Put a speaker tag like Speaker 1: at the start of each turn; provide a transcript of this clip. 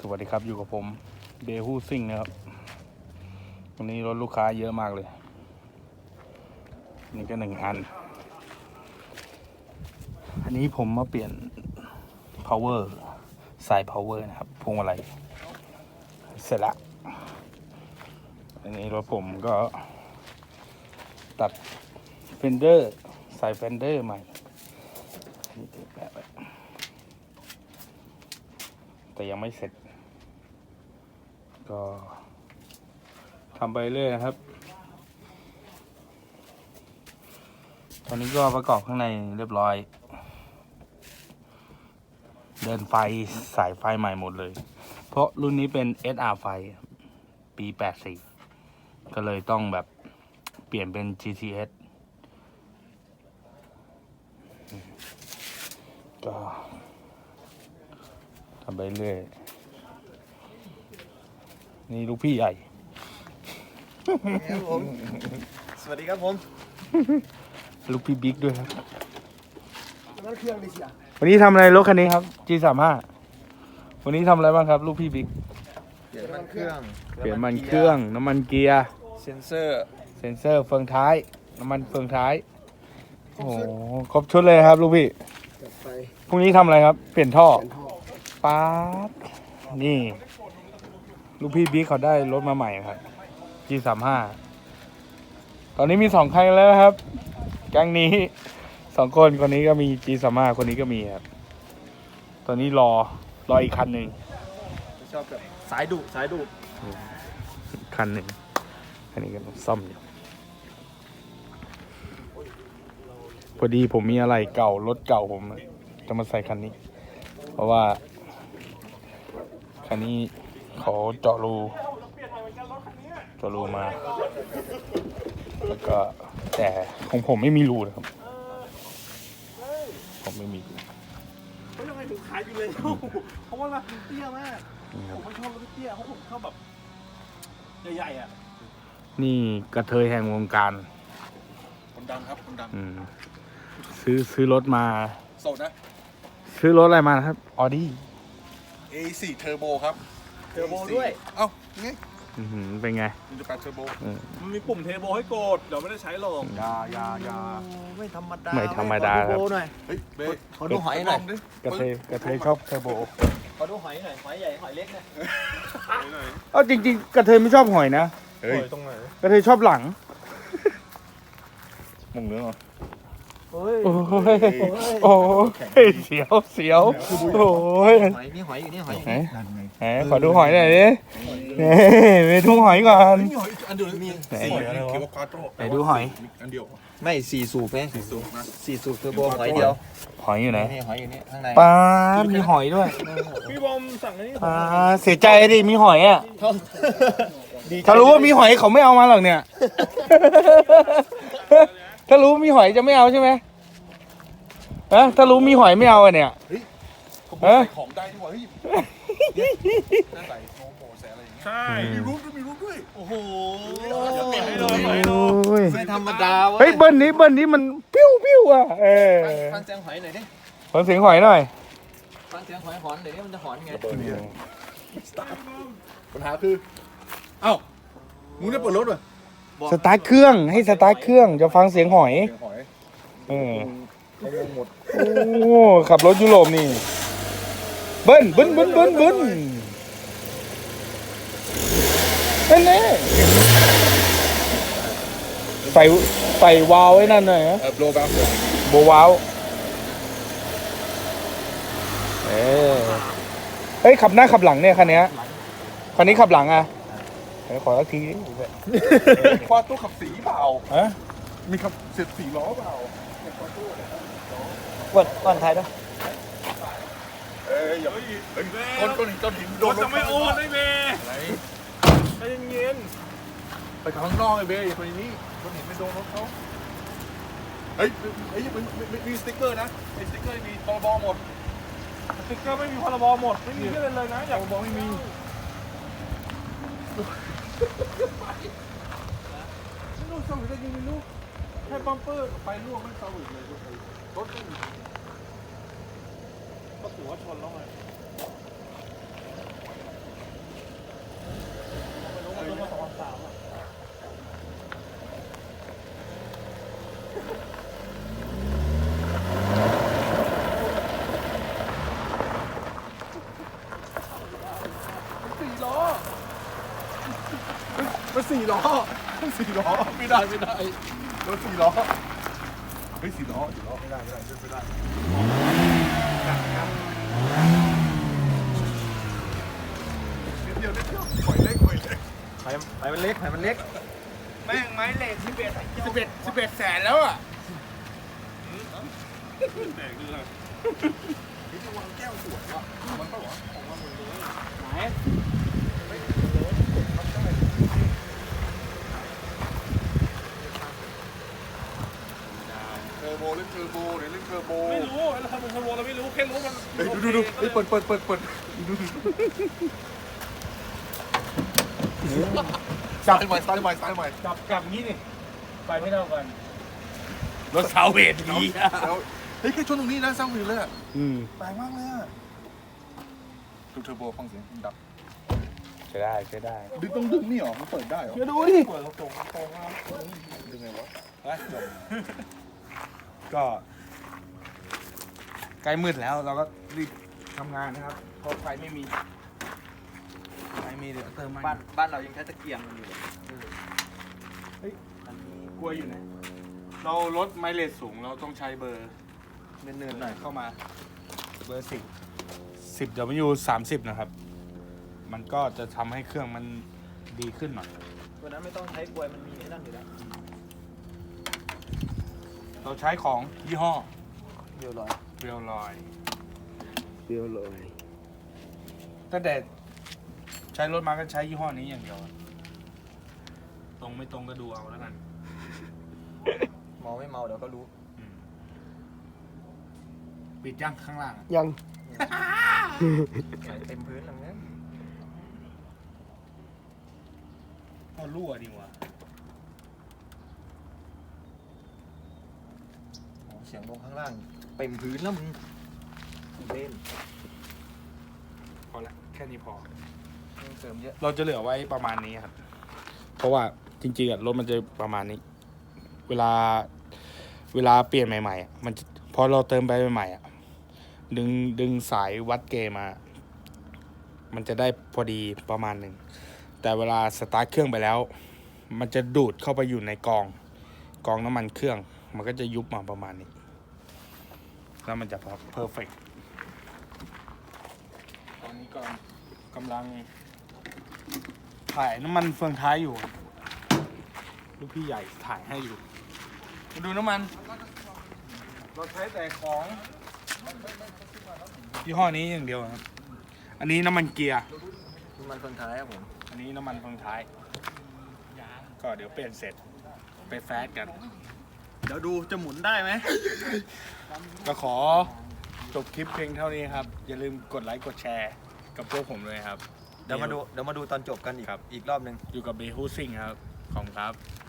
Speaker 1: วัสดีครับอยู่กับผมเบฮูซิ่งนะครับวันนี้รถลูกค้าเยอะมากเลยนี่ก็อันนี้ผมมาเปลี่ยน power สาย power นะครับพวงมาลัยเสร็จละอันนี้รถผมก็ตัดเฟนเดอร์สายเฟนเดอร์ใหม่นี่ติดแบบแต่ยังไม่เสร็จก็ทำไปเรื่อยนะครับตอนนี้ก็ประกอบข้างในเรียบร้อยเดินไฟสายไฟใหม่หมดเลยเพราะรุ่นนี้เป็น SR ไฟปี 84ก็เลยต้องแบบเปลี่ยนเป็น GTS ก็ทำไปเรื่อยนี่ลูกพี่ใหญ่
Speaker 2: ครับผมสวัสดีครับผม
Speaker 1: ลูกพี่บิ๊กด้วยครับ
Speaker 2: น้ำเครื่องดิเสีย
Speaker 1: วันนี้ทำอะไรรถคันนี้ครับ G35 วันนี้ทำอะไรบ้างครับลูกพี่บิ๊ก
Speaker 2: เปลี่ยนมันเครื่อง
Speaker 1: เปลี่ยนมันเครื่องน้ำมันเกียร์
Speaker 2: เซนเซอร์
Speaker 1: เซ็นเซอร์เฟืองท้ายน้ำมันเฟืองท้ายโอ้โหครบชุดเลยครับลูกพี่
Speaker 2: จัดไป
Speaker 1: พรุ่งนี้ทำอะไรครับเปลี่ยนท่อ
Speaker 2: เป็นท่อ
Speaker 1: ป๊าดนี่ลูกพี่บิ๊กเขาได้รถมาใหม่ครับ G35 ตอนนี้มี2 คันแล้วครับแก๊งนี้2 คนนี้ก็มี G35 คนนี้ก็มีครับตอนนี้รออีกคันหนึ่ง
Speaker 2: ชอบแบบสายดุ
Speaker 1: คันหนึ่งอันนี้ก็ซ่อมอยู่พอดีผมมีอะไรเก่ารถเก่าผมจะมาใส่คันนี้เพราะว่าคันนี้เขาเจาะรูมาแล้วก็แต่ของผมไม่มีรูนะครับผมไม่มีรู
Speaker 3: เขายังไงถึงขายอยู่เลยเพราะว่ามันเตี้ยมากผมไม่ชอบรถเตี้ยเพราะผมชอบแบบใหญ่ๆอ่ะ
Speaker 1: นี่กระเทยแห่งวงการ
Speaker 3: คนดังครับคนดัง
Speaker 1: ซื้อรถมา
Speaker 3: โสดนะ
Speaker 1: ซื้อรถอะไรมานะครับออดี้
Speaker 3: A4 เทอร์โบครับ
Speaker 2: เทอร์โบด้วย
Speaker 3: เอ้าไง
Speaker 1: เป็นไง
Speaker 3: 1.8เทอร์โบ
Speaker 4: มันมีปุ่มเทอร์โบให้กด เดี๋ยวไม่ได้ใช้หรอก
Speaker 3: ยา
Speaker 2: ไม่ธรรมดา
Speaker 1: ไม่ธรรมดา
Speaker 2: เท
Speaker 1: ค
Speaker 2: อ
Speaker 1: รับ
Speaker 2: ร์โบหน่อย
Speaker 3: เฮ้ยเบ้
Speaker 2: ขอดูหอยหน่อย
Speaker 1: กระเทยชอบเทอร์โบ
Speaker 2: ขอดูหอยหน่อยหอยใหญ่หอยเล็กเนี่ย
Speaker 1: เอาจริงๆกระเทยไม่ชอบหอยนะ
Speaker 3: เฮ้ย
Speaker 4: ตรงไหน
Speaker 1: กระเทยชอบหลังมุงเนื้อเหรอ
Speaker 2: เฮ้ย
Speaker 1: โอ้ยเสียวโอ้ย
Speaker 2: หอยนี่หอยอยู่นี่หอยอยู่
Speaker 1: ไหน
Speaker 2: นี่
Speaker 1: ไหนขอดูหอยหน่อยดิไปดูหอยก่อน
Speaker 3: มีหอยอันเดียวมี
Speaker 1: ไหน
Speaker 3: 4คิวควาโตร
Speaker 1: ไหนดูหอย
Speaker 3: อันเดียว
Speaker 2: ไม่4 สูบไหม
Speaker 3: สูงนะ
Speaker 2: 4 สูบเทอร์โบหอยเดียว
Speaker 1: หอยอยู่ไหน
Speaker 2: นี่หอยอยู่นี่ข้างใน
Speaker 1: ปลามีหอยด้วย
Speaker 4: พี่บอมสั่งอันนี้
Speaker 1: ปลาเสียใจดิมีหอยอ่ะ
Speaker 2: ดีใจ
Speaker 1: ถ้ารู้ว่ามีหอยเขาไม่เอามาหรอกเนี่ย ถ้ารู้มีหอยจะไม่เอาใช่ไหมถ้ารู้มีหอยไม่เอาอะเนี่ย
Speaker 3: ขโมยของได้ที่ว่าเฮ้ยน่าใส่โมโหแสอะไรอย่างเงี้ย
Speaker 4: ใช่
Speaker 3: มีรูปด้วย
Speaker 4: โอ้โห
Speaker 3: อย่าเปลี่ยนให้เลย
Speaker 1: โอ้ย
Speaker 2: ไม่ธรรมดาเว้ย
Speaker 1: เฮ้ยเบิ้ลนี้มันปิ้วอ่ะ
Speaker 2: ฟังเสียงหอยหน่อยดิ
Speaker 1: ฟังเสียงหอยหน่อย
Speaker 2: ฟังเสียงหอยหอนเดี๋ยวนี้มันจะหอนไง
Speaker 3: ปัญหาคือเอ้ามึงได้เปิดรถป่ะ
Speaker 1: สตาร์ทเครื่องให้สตาร์ทเครื่องจะฟังเสียงหอย
Speaker 3: เสียงหอย
Speaker 1: เออ
Speaker 3: เขางงหมด
Speaker 1: โอ้ขับรถยุโรปนี่เบิ้ลนั่นแน่ใส่วาล์วไว้นั่นหน่อยนะ
Speaker 3: โบว์แบบ
Speaker 1: โบว์วาล์วเฮ้ยขับหน้าขับหลังเนี่ยคันนี้ขับหลังอ่ะขอสักทีดิ
Speaker 3: ควาโต้ขับสีเปล่า
Speaker 1: ฮะ
Speaker 3: มีขับเสร็จ4 ล้อเปล่า
Speaker 2: ก่อนท้ายด้วย
Speaker 3: อย่าเฮ้ยก้อนหินโด
Speaker 4: ร
Speaker 3: น
Speaker 4: ถจะไม่โอนได้เมย์
Speaker 3: อะไร
Speaker 4: ใจเย็น
Speaker 3: ไปข้างนอกไอ้เบ้อย่าไปนี่ก้อนหินไม่โดนรถเขาเฮ้ยมีสติ๊กเกอร์นะไอ้สติ๊กเกอร์มีตบหมด
Speaker 4: ๆสติ๊กเกอร์ไม่มีพรบหมด ไม่มีเรื่องเลยนะ อยาก
Speaker 3: ตบไม่มี
Speaker 4: ไม่รู้สวิตช์ได้ยิงไม่รู้แค่บัมเปอร์กับไฟรั่วไม่สวิตช์เลยรถไม่มีก็ถือว่าชนแล้วไง
Speaker 3: 4 ล้อ4 ล้อไม่ได้รถ4 ล้อเฮ้ย4 ล้อไม่ได้นิดเดียวปล่อยเล็ก
Speaker 2: ไปมันเล็กมันเล็ก
Speaker 1: แม่งไม้เหล็ก11แสนแล้วอ่ะ
Speaker 3: แตกเลยนี่จะวางแก้วสวยอ่ะมันปะวะของมันหมดเลย
Speaker 1: ไหน
Speaker 3: เทอร์โบเล่นเทอร์โบเดี๋ยวเล่นเทอร์โบ
Speaker 4: ไม่รู้เราทำเป็นขบวนเราไม่รู้แค่รู้มัน
Speaker 3: เฮ้ยดูเฮ้ยเปิดซ้ายใหม่
Speaker 1: จับงี้นี่ไปไม่เท่ากันรถเสาเวทดีอ่ะ
Speaker 3: แล้วเฮ้ยแค่ชนตรงนี้นะสร้างวิวเลยอ่ะ
Speaker 1: แปลกมากเลยอ่ะ
Speaker 3: ดูเทอร์โบฟังเสียงดับ
Speaker 1: ใช้ได้
Speaker 3: ดึงนี่หรอมันเปิดได้หรอ
Speaker 1: เดี๋ยวดูดิ
Speaker 4: เปิดเราตรงมา
Speaker 3: ดึงไงวะ
Speaker 1: ก็ใกล้มืดแล้วเราก็รีบทำงานนะครับเพราะไฟไม่มีเดี๋ยวเติมมา
Speaker 2: บ้านเรายังใช้ตะเกียงกันอยู่เลย
Speaker 1: กลัวอยู่ไหนเราลดไมเลสสูงเราต้องใช้เบอร์เนินๆหน่อยเข้ามาเบอร์10 W 30นะครับมันก็จะทำให้เครื่องมันดีขึ้นหน่อย
Speaker 2: ตัวนั้นไม่ต้องใช้กลวยมันมีไอ้นั่นอยู่แล้ว
Speaker 1: เราใช้ของยี่ห้อ
Speaker 2: เดียวลอย
Speaker 1: เรียวลอย
Speaker 2: เดียวลอย
Speaker 1: ตั้งแต่ใช้รถมาก็ใช้ยี่ห้อนี้อย่างเดียว ตรงไม่ตรงก็ดูเอาแล้วกัน
Speaker 2: เมาไม่เมาเดี๋ยวก็รู้
Speaker 1: ปิดย่างข้างล่าง
Speaker 2: ยังใส่เต็มพื้นแล้วเนี่ย
Speaker 1: ก็รั่วดีวะ
Speaker 2: โอ้เสียงลงข้างล่างเต็มพื้นแล้วมึงเล่น
Speaker 1: พอละแค่นี้พอ
Speaker 2: มึงเสริมเยอะ
Speaker 1: เราจะเหลือไว้ประมาณนี้ครับ เพราะว่าจริงๆอะรถมันจะประมาณนี้ เวลาเปลี่ยนใหม่ๆอะมันจะพอเราเติมไปใหม่ๆอะดึงสายวัดเกมา มันจะได้พอดีประมาณหนึ่ง แต่เวลาสตาร์ทเครื่องไปแล้ว มันจะดูดเข้าไปอยู่ในกองน้ำมันเครื่อง มันก็จะยุบมาประมาณนี้ แล้วมันจะเพอร์เฟกต์ตอนนี้ก็กำลังถ่ายน้ำมันเฟืองท้ายอยู่ ลูกพี่ใหญ่ถ่ายให้อยู่ มาดูน้ำมัน เราใช้แต่ของยี่ห้อนี้อย่างเดียวครับ อันนี้น้ำมันเกียร์
Speaker 2: มันคนท้ายครับผม
Speaker 1: อันนี้น้ำมันเฟืองท้าย ก็เดี๋ยวเปลี่ยนเสร็จไปแฟสกัน เดี๋ยวดูจะหมุนได้ไหม ก็ขอจบคลิปเพียงเท่านี้ครับ อย่าลืมกดไลค์กดแชร์กับพวกผมเลยครับ
Speaker 2: เดี๋ยวมาดูตอนจบกันอีก
Speaker 1: ครับ
Speaker 2: อีกรอบหนึ่ง
Speaker 1: อยู่กับเบฮูซิ่งครับ ขอบคุณครับ